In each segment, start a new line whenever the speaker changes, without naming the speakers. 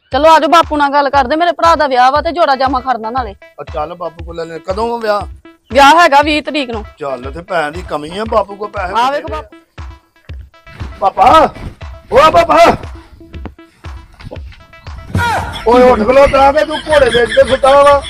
ਚਲੋ ਆਜੋ ਬਾਪੂ ਨਾਲ ਗੱਲ ਕਰਦੇ, ਮੇਰੇ ਭਰਾ ਦਾ ਵਿਆਹ ਵਾ ਤੇ ਜੋੜਾ ਜਾਮਾ ਖੜਨਾ ਨਾਲੇ।
ਚੱਲ ਬਾਪੂ ਕੋਲ ਲੈ ਲੈ। ਕਦੋਂ ਵਿਆਹ?
ਵਿਆਹ ਹੈਗਾ 20 ਤਰੀਕ ਨੂੰ।
ਚੱਲ ਤੇ ਭੈਣ ਦੀ ਕਮੀ ਆ, ਬਾਪੂ ਕੋ ਪੈਸੇ
ਆ ਵੇਖ ਬਾਪੂ।
ਪਾਪਾ ਓ ਪਾਪਾ ਓਏ ਉੱਠ ਖਲੋ ਤਾਂ ਕਿ ਤੂੰ ਘੋੜੇ ਵੇਚ ਕੇ ਸੁੱਤਾ ਵਾ।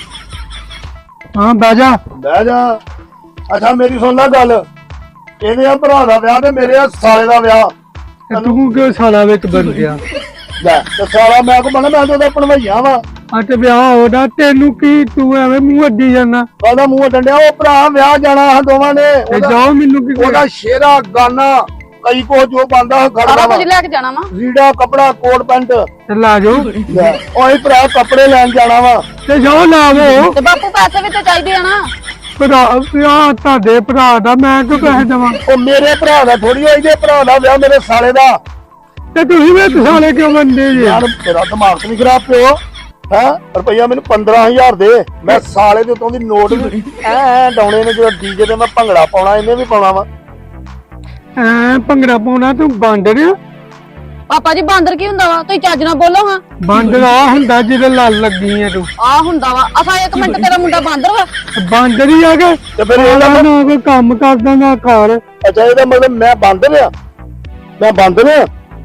ਹਾਂ ਬਹਿ ਜਾ।
ਬਹਿ ਜਾ। ਅੱਛਾ ਮੇਰੀ ਸੁਣ ਲੈ ਗੱਲ, ਇਹਦੇ ਆ ਭਰਾ ਦਾ ਵਿਆਹ ਤੇ ਮੇਰੇ ਆ ਸਾਲੇ ਦਾ ਵਿਆਹ।
ਤੇ ਤੂੰ ਕਿਉਂ ਸਾਲਾ ਵਿੱਚ ਬਣ ਗਿਆ?
ਲੈ ਤੇ ਸਾਲਾ ਮੈਂ ਕੋ ਬਣਾ, ਮੈਂ ਤਾਂ ਉਹਦਾ ਭਣਵਈਆ ਵਾ।
ਆ ਤੇ ਵਿਆਹ ਹੋਦਾ ਤੈਨੂੰ ਕੀ, ਤੂੰ ਐਵੇਂ ਮੂੰਹ ਅੱਡੀ ਜਾਂਦਾ।
ਉਹਦਾ ਮੂੰਹ ਡੰਡਿਆ, ਉਹ ਭਰਾ ਵਿਆਹ ਜਾਣਾ ਆ ਦੋਵਾਂ ਨੇ।
ਤੇ ਜਾਓ, ਮੈਨੂੰ ਕੀ
ਉਹਦਾ ਸ਼ੇਰਾ ਗਾਨਾ ਕਈ ਕੋ ਜੋ ਬੰਦਾ
ਸਾਰਾ
ਖੜਦਾ ਵਾ,
ਕੁਝ ਲੈ ਕੇ ਜਾਣਾ ਵਾ।
ਰੀੜਾ ਕਪੜਾ ਕੋਟ ਪੈਂਟ।
ਤੇ ਲਾ ਜਾਓ
ਓਏ ਭਰਾ ਕੱਪੜੇ ਲੈਣ ਜਾਣਾ ਵਾ।
ਤੇ ਜਾਓ ਲਾਵੋ।
ਤੇ ਬਾਪੂ ਪੈਸੇ ਵੀ ਤੇ ਚਾਹੀਦੇ ਆ ਨਾ।
ਭਰਾ ਵਿਆਹ ਤੁਹਾਡੇ ਭਰਾ ਦਾ, ਮੈਂ ਕਿਉਂ ਪੈਸੇ ਦੇਵਾਂ?
ਉਹ ਮੇਰੇ ਭਰਾ ਦਾ ਥੋੜੀ ਹੋਈ, ਜੇ ਭਰਾ ਦਾ ਵਿਆਹ ਮੇਰੇ ਸਾਲੇ ਦਾ।
ਤੇ ਤੁਸੀਂ ਵਿੱਚ ਸਾਲੇ ਕਿਉਂ ਬੰਦੇ ਜੀ?
ਯਾਰ ਤੇਰਾ ਦਿਮਾਗ ਨਹੀਂ ਖਰਾਬ ਪਿਓ ਹੈ? ਰੁਪਈਆ ਮੈਨੂੰ 15000 ਦੇ, ਮੈਂ ਸਾਲੇ ਦੇ ਉਤੋਂ ਦੀ ਨੋਟ ਵੀ ਐ ਡਾਉਣੇ ਨੇ। ਜਦੋਂ ਡੀਜੇ ਤੇ ਮੈਂ ਭੰਗੜਾ ਪਾਉਣਾ, ਇਹਨੇ ਵੀ ਪਾਉਣਾ ਵਾ।
ਐ ਭੰਗੜਾ ਪਾਉਣਾ ਤੂੰ ਬਾਂਦਰ ਆ?
ਪਾਪਾ ਜੀ ਬਾਂਦਰ ਕੀ ਹੁੰਦਾ ਵਾ? ਤੁਸੀਂ ਚੱਜ ਨਾਲ ਬੋਲੋ ਹਾਂ।
ਬਾਂਦਰ ਆ ਹੁੰਦਾ ਜਿਹਦੇ ਲੜ ਲੱਗੀ ਐ ਤੂੰ।
ਆ ਹੁੰਦਾ ਵਾ। ਅਸਾਂ 1 ਮਿੰਟ ਤੇਰਾ ਮੁੰਡਾ ਬਾਂਦਰ ਵਾ।
ਬਾਂਦਰ ਹੀ ਆ ਕੇ
ਤੇ ਫਿਰ ਇਹਦਾ
ਨਾ ਕੋਈ ਕੰਮ ਕਰਦਾ ਨਾ ਘਰ।
ਅੱਛਾ ਇਹਦਾ ਮਤਲਬ ਮੈਂ ਬਾਂਦਰ ਆ? ਮੈਂ ਬਾਂਦਰ ਆ?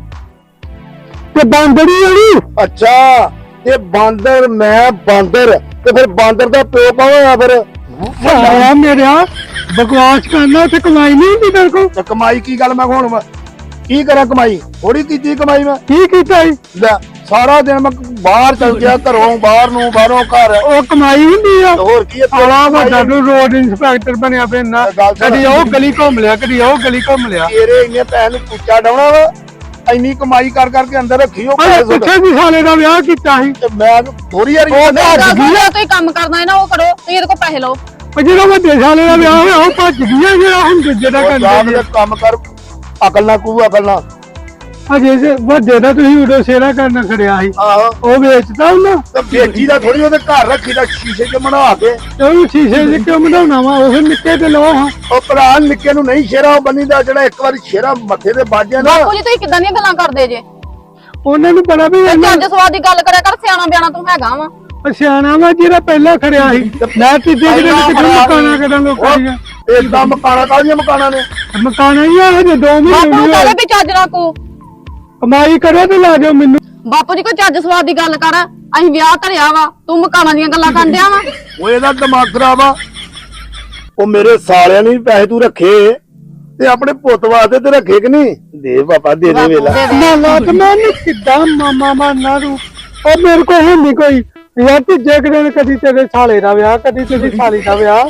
ਤੇ ਬਾਂਦਰ ਹੀ ਆਣੀ।
ਅੱਛਾ ਤੇ ਬਾਂਦਰ, ਮੈਂ ਬਾਂਦਰ, ਤੇ ਫਿਰ ਬਾਂਦਰ ਦਾ ਪਿਓ ਕੌਣ ਹੋਇਆ ਫਿਰ?
ਸਾਲਾ ਮੇਰਾ ਬਕਵਾਸ ਕਰਨਾ, ਤੇ ਕਮਾਈ ਨਹੀਂ ਹੁੰਦੀ ਤੇਰੇ ਕੋਲ।
ਤੇ ਕਮਾਈ ਕੀ ਗੱਲ, ਮੈਂ ਹੁਣ ਕੀ ਕਰਾਂ? ਕਮਾਈ ਥੋੜੀ ਕੀਤੀ ਕਮਾਈ ਮੈਂ।
ਕੀ ਕੀਤਾ ਈ?
ਲੈ ਸਾਰਾ ਦਿਨ ਮੈਂ ਬਾਹਰ ਚਲ ਗਿਆ, ਘਰੋਂ ਬਾਹਰ ਨੂੰ, ਬਾਹਰੋਂ ਘਰ।
ਉਹ ਕਮਾਈ ਹੁੰਦੀ ਆ।
ਹੋਰ ਕੀ ਹੈ
ਆਲਾ ਵੱਡਾ ਤੂੰ ਰੋਡ ਇੰਸਪੈਕਟਰ ਬਣਿਆ ਪੈਣਾ। ਕਦੀ ਉਹ ਗਲੀ ਘੁੰਮ ਲਿਆ, ਕਦੀ ਉਹ ਗਲੀ ਘੁੰਮ ਲਿਆ।
ਤੇਰੇ ਇੰਨੇ ਪੈਸੇ ਨੂੰ ਕੁੱਚਾ ਡਾਉਣਾ ਵਾ? ਇੰਨੀ ਕਮਾਈ ਕਰ ਕਰਕੇ ਅੰਦਰ ਰੱਖੀ ਉਹ ਪੈਸੇ ਸੁੱਟ।
ਪਿੱਛੇ ਵੀ ਸਾਲੇ ਦਾ ਵਿਆਹ ਕੀਤਾ ਸੀ।
ਤੇ ਮੈਂ ਥੋੜੀ ਯਾਰ
ਤੁਸੀਂ ਕੰਮ ਕਰਨਾ ਹੈ ਨਾ, ਉਹ ਕਰੋ। ਤੁਸੀਂ ਇਹਦੇ ਕੋਲ ਪੈਸੇ ਲਓ।
ਉਹ ਜਿਹੜਾ ਵੱਡੇ ਸਾਲੇ ਦਾ ਵਿਆਹ ਹੋਇਆ ਉਹ ਭੱਜ ਗਿਆ, ਜਿਹੜਾ ਹੁਣ ਦੂਜੇ ਦਾ ਕਰਦੇ
ਕੰਮ ਕਰ, ਅਕਲ ਨਾ ਕੂ ਅਕਲ ਨਾ।
ਅਜੇ ਵੱਡੇ ਦਾ ਤੁਸੀਂ ਉਦੋਂ ਸੇਰਾ ਕਰਨਾ ਖੜਿਆ ਸੀ,
ਆਹੋ
ਉਹ ਵੇਚਦਾ ਉਹਨਾਂ।
ਤੇ ਬੇਟੀ ਦਾ ਥੋੜੀ ਉਹਦੇ ਘਰ ਰੱਖੀ ਦਾ, ਸ਼ੀਸ਼ੇ 'ਚ ਬਣਾ ਕੇ।
ਉਹ ਸ਼ੀਸ਼ੇ 'ਚ ਕਿਉਂ ਬਣਾਉਣਾ ਵਾ? ਉਹ ਨਿੱਕੇ ਤੇ ਲਓ ਹਾਂ।
ਉਹ ਭਰਾ ਨਿੱਕੇ ਨੂੰ ਨਹੀਂ ਸ਼ੇਰਾ ਬੰਨੀ ਦਾ, ਜਿਹੜਾ ਇੱਕ ਵਾਰੀ ਸ਼ੇਰਾ ਮੱਥੇ ਤੇ ਵੱਜ ਗਿਆ ਨਾ।
ਬਾਪੂ ਜੀ ਤੁਸੀਂ ਕਿੱਦਾਂ ਦੀਆਂ ਗੱਲਾਂ ਕਰਦੇ ਜੇ?
ਉਹਨਾਂ ਨੂੰ ਪਤਾ ਵੀ
ਚੱਜ ਸਵਾਦ ਦੀ ਗੱਲ ਕਰਿਆ ਕਰ। ਸਿਆਣਾ ਬਿਆਣਾ ਤੂੰ ਹੈਗਾ ਵਾ।
ਸਿਆਣਾ ਵਾ ਜਿਹੜਾ ਪਹਿਲਾਂ ਖੜਿਆ ਸੀ। ਮੈਂ ਤੀਜੇ ਦਿਨ ਕਿੱਥੇ ਮਕਾਨਾ ਕਿਦਾਂ ਲੋਕਾਂ ਦੀਆਂ
ਏਦਾਂ ਮਕਾਨਾ ਕਾਹਦੀਆਂ ਮਕਾਨਾਂ ਨੇ?
ਮਕਾਨਾ ਹੀ ਆ ਹਜੇ 2
ਬਾਪੂ
ਮਹੀਨੇ
ਕਹਿੰਦੇ ਵੀ ਚੱਜ ਨਾ ਕੋ
ਕਮਾਈ ਕਰੋ ਤੇ ਲਾ ਜਾਓ ਮੈਨੂੰ।
ਬਾਪੂ ਜੀ ਕੋਈ ਚੱਜ ਸਵਾਦ ਦੀ ਗੱਲ ਕਰ। ਅਸੀਂ ਵਿਆਹ ਧਰਿਆ ਵਾ, ਤੂੰ ਮਕਾਨਾਂ ਦੀਆਂ ਗੱਲਾਂ ਕਰਦਿਆ ਵਾ।
ਉਹ ਇਹਦਾ ਦਿਮਾਗ ਖਰਾਬ ਆ। ਉਹ ਮੇਰੇ ਸਾਲਿਆਂ ਨੇ ਵੀ ਪੈਸੇ ਤੂੰ ਰੱਖੇ ਤੇ ਆਪਣੇ ਪੁੱਤ ਵਾਸਤੇ ਤੇ ਰੱਖੇ ਕਿ ਨਹੀਂ? ਦੇ ਪਾਪਾ ਦੇ ਦੇ ਵੇਲਾ।
ਨਾ ਤੇ ਮੈਂ ਕਿੱਦਾਂ ਮਾਮਾ ਮਾਨਾ ਤੂੰ? ਉਹ ਮੇਰੇ ਕੋਲ ਹੈ ਨਹੀਂ ਕੋਈ ਯਾਰ। ਤੀਜੇ ਦਿਨ ਕਦੀ ਤੇਰੇ ਸਾਲੇ ਦਾ ਵਿਆਹ, ਕਦੀ ਤੇਰੀ ਸਾਲੀ ਦਾ ਵਿਆਹ।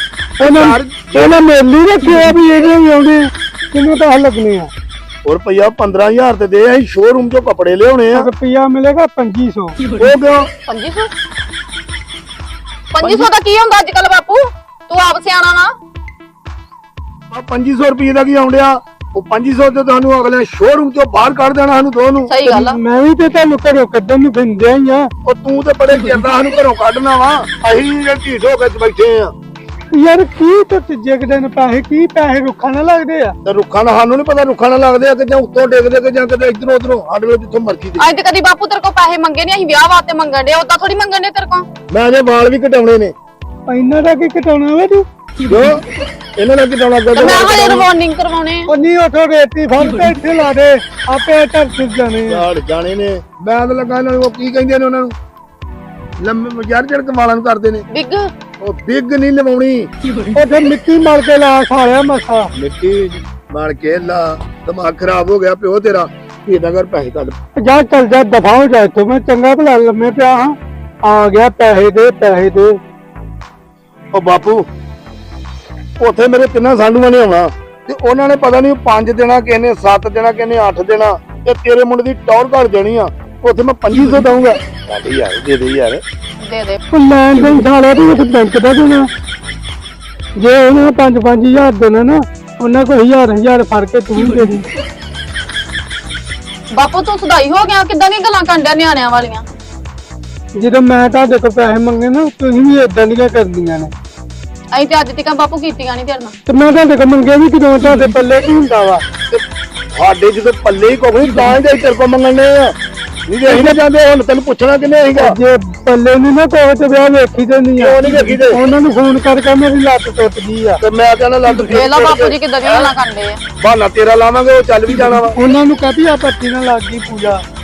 ਇਹਨਾਂ ਮੇਲੀ ਰੱਖਿਆ ਵੀ ਇਹਦੇ ਵੀ ਆਉਂਦੇ, ਕਿੰਨੇ ਪੈਸੇ ਲੱਗਣੇ ਆ?
ਹੋਰ ਰੁਪਈਆ 15000 ਤੇ ਦੇ, ਅਸੀਂ ਸ਼ੋਰੂਮ ਚੋਂ ਕੱਪੜੇ ਲਿਆਉਣੇ ਆ।
ਰੁਪਈਆ ਮਿਲੇਗਾ 2500।
ਉਹ ਕਿਉਂ?
2500? 2500 ਦਾ ਕੀ ਹੁੰਦਾ ਅੱਜ ਕੱਲ ਬਾਪੂ? ਤੂੰ ਆਪ ਸਿਆਣਾ ਵਾ।
2500 ਰੁਪਏ ਦਾ ਕੀ ਆਉਂਦਿਆ? ਉਹ 2500 ਤੇ ਤੁਹਾਨੂੰ ਅਗਲੇ ਸ਼ੋਰੂਮ ਚੋਂ ਬਾਹਰ ਕੱਢ ਦੇਣਾ ਸਾਨੂੰ ਦੋਨੋਂ।
ਸਹੀ ਗੱਲ ਆ।
ਮੈਂ ਵੀ ਤੇ ਤੁਹਾਨੂੰ ਘਰੋਂ ਕੱਢਣ ਨੂੰ ਫਿਰਦੇ ਹੀ ਆ।
ਉਹ ਤੂੰ ਤੇ ਬੜੇ ਚਿਰਦਾ ਸਾਨੂੰ ਘਰੋਂ ਕੱਢਣਾ ਵਾ, ਅਸੀਂ ਢੀਠ ਹੋ ਕੇ ਬੈਠੇ ਆ।
ਯਾਰ ਕੀ ਤੇ ਤੀਜੇ ਦਿਨ ਪੈਸੇ, ਕੀ ਪੈਸੇ ਰੁੱਖਾਂ ਨਾਲ ਲੱਗਦੇ ਆ?
ਤੇ ਰੁੱਖਾਂ ਨਾਲ ਸਾਨੂੰ ਨੀ ਪਤਾ, ਰੁੱਖਾਂ ਨਾਲ ਲੱਗਦੇ ਆ ਕਿ ਜਾਂ ਉੱਤੋਂ ਡਿੱਗਦੇ ਕਿ ਜਾਂ ਕਿਤੇ ਇਧਰੋਂ ਉਧਰੋਂ, ਸਾਡੇ ਕੋਲ ਜਿੱਥੋਂ ਮਰਜ਼ੀ ਦੇ।
ਅੱਜ ਤੇ ਕਦੀ ਬਾਪੂ ਤੇਰੇ ਕੋਲ ਪੈਸੇ ਮੰਗੇ ਨਹੀਂ। ਅਸੀਂ ਵਿਆਹ ਵਾਸਤੇ ਮੰਗਣ ਦੇ, ਉਦਾਂ ਥੋੜੀ ਮੰਗਣ ਦੇ ਤੇਰੇ ਕੋਲ।
ਮੈਂ ਅਜੇ ਵਾਲ ਵੀ ਕਟਾਉਣੇ ਨੇ।
ਇਹਨਾਂ ਦਾ ਕੀ ਘਟਾਉਣਾ ਵਾ ਤੂੰ?
ਜੋ ਇਹਨਾਂ ਦਾ ਕਟਾਉਣਾ
ਤੇ ਮੈਂ ਹਜੇ ਰਿਵਾਰਨਿੰਗ ਕਰਵਾਉਣੇ ਆ।
ਉਹ ਨਹੀਂ ਉਠੋ ਰੇਤੀ ਫੜ ਕੇ ਇੱਥੇ ਲਾ ਦੇ, ਆਪੇ ਧਰ ਸੁੱਟ ਜਾਣੇ ਆ।
ਯਾਰ ਜਾਣੇ ਨੇ। ਮੈਂ ਤਾਂ ਲੱਗਾ ਇਹਨਾਂ ਨੂੰ, ਉਹ ਕੀ ਕਹਿੰਦੇ ਨੇ ਉਹਨਾਂ ਨੂੰ, ਲੰਮੇ ਯਾਰ ਜਿਹੜੇ ਵਾਲਾਂ ਨੂੰ ਕਰਦੇ ਨੇ।
ਬਿੱਗ
ਉਹ ਬਿੱਗ ਨਹੀਂ ਲਵਾਉਣੀ,
ਉੱਥੇ ਮਿੱਟੀ ਮਾਰ ਕੇ ਲਾ ਸਾਲਿਆ ਮੱਥਾ।
ਮਿੱਟੀ ਮਾਰ ਕੇ ਲਾ। ਦਿਮਾਗ ਖਰਾਬ ਹੋ ਗਿਆ ਪਿਓ ਤੇਰਾ। ਇਹਦਾ ਕਰ ਪੈਸੇ ਕੱਢ।
ਜਾ ਚੱਲ ਜਾ, ਦਫਾ ਹੋ ਜਾ ਇੱਥੋਂ। ਮੈਂ ਚੰਗਾ ਭਲਾ ਲੰਮੇ ਪਿਆ ਹਾਂ, ਆ ਗਿਆ ਪੈਸੇ ਦੇ, ਪੈਸੇ ਦੇ।
ਉਹ ਬਾਪੂ ਉੱਥੇ ਮੇਰੇ ਤਿੰਨਾਂ ਸਾਂਢੂਆਂ ਨੇ ਆਉਣਾ ਤੇ ਉਹਨਾਂ ਨੇ ਪਤਾ ਨਹੀਂ 5 ਦੇਣਾ, ਕਿਸੇ ਨੇ 7 ਦੇਣਾ, ਕਿਸੇ ਨੇ 8 ਦੇਣਾ, ਤੇ ਤੇਰੇ ਮੁੰਡੇ ਦੀ ਟੌਰ ਘੜ ਜਾਣੀ ਆ। ਉੱਥੇ ਮੈਂ 2500 ਦਊਂਗਾ। ਚੱਲ ਯਾਰ ਦੇ ਦੇ ਯਾਰ।
ਦੇ ਦੇ।
ਉਹ ਲੈਣ ਦੇਣ ਸਾਲਿਆ ਤੂੰ ਉੱਥੇ ਬੈਂਕ ਦਾ ਦੇਣਾ। ਜੇ ਉਹਨਾਂ 5-5000 ਦੇਣਾ ਨਾ, ਉਹਨਾਂ ਕੋਲ 1000 ਫੜ ਕੇ ਤੂੰ ਦੇ ਦੇ।
ਬਾਪੂ ਤੂੰ ਸਦਾਈ ਹੋ ਗਿਆ। ਕਿੱਦਾਂ ਦੀਆਂ ਗੱਲਾਂ ਕਰਨ ਡਿਆ ਨਿਆਣਿਆਂ ਵਾਲੀਆਂ?
ਜਦੋਂ ਮੈਂ ਤੁਹਾਡੇ ਕੋਲ ਪੈਸੇ ਮੰਗੇ ਨਾ, ਤੁਸੀਂ ਵੀ ਏਦਾਂ ਦੀਆਂ ਕਰਦੀਆਂ ਨੇ।
ਅਸੀਂ ਤੇ ਅੱਜ ਤੱਕ ਬਾਪੂ ਕੀਤੀਆਂ ਨਹੀਂ ਤੇਰੇ ਨਾਲ।
ਤੇ ਮੈਂ ਤੁਹਾਡੇ ਕੋਲ ਮੰਗੇ ਵੀ ਕਿਦੋਂ? ਤੁਹਾਡੇ ਪੱਲੇ ਕੀ ਹੁੰਦਾ ਵਾ?
ਸਾਡੇ ਜਦੋਂ ਪੱਲੇ ਹੀ ਕੋਈ ਤਾਂ ਹੀ ਤੇਰੇ ਕੋਲ ਮੰਗਣੇ ਆ। ਨਹੀਂ ਜੇ ਅਸੀਂ ਨਾ ਜਾਂਦੇ ਹੁਣ ਤੈਨੂੰ ਪੁੱਛਣਾ ਕਿੰਨੇ ਸੀਗਾ
ਜੇ ਪੱਲੇ ਨਹੀਂ ਨਾ ਕੋਈ ਤੇ ਵਿਆਹ ਵੇਖੀ ਤੇ ਨਹੀਂ
ਕਿਉਂ ਨਹੀਂ ਵੇਖੀ ਤੇ?
ਉਹਨਾਂ ਨੂੰ ਫੋਨ ਕਰਕੇ ਮੇਰੀ ਲੱਤ ਟੁੱਟ ਗਈ ਆ
ਤੇ ਮੈਂ ਕਹਿੰਦਾ ਲੱਤ
ਵੇਖ ਲਾ ਬਾਪੂ ਜੀ ਕਿੱਦਾਂ ਦੀਆਂ ਗੱਲਾਂ ਕਰਦੇ ਆ।
ਬਹਾਨਾ ਤੇਰਾ ਲਾਵਾਂਗੇ ਉਹ ਚੱਲ ਵੀ ਜਾਣਾ ਵਾ
ਉਹਨਾਂ ਨੂੰ ਕਹਦੀ ਆ ਪੱਟੀ ਨਾਲ ਲੱਗ ਗਈ ਪੂਜਾ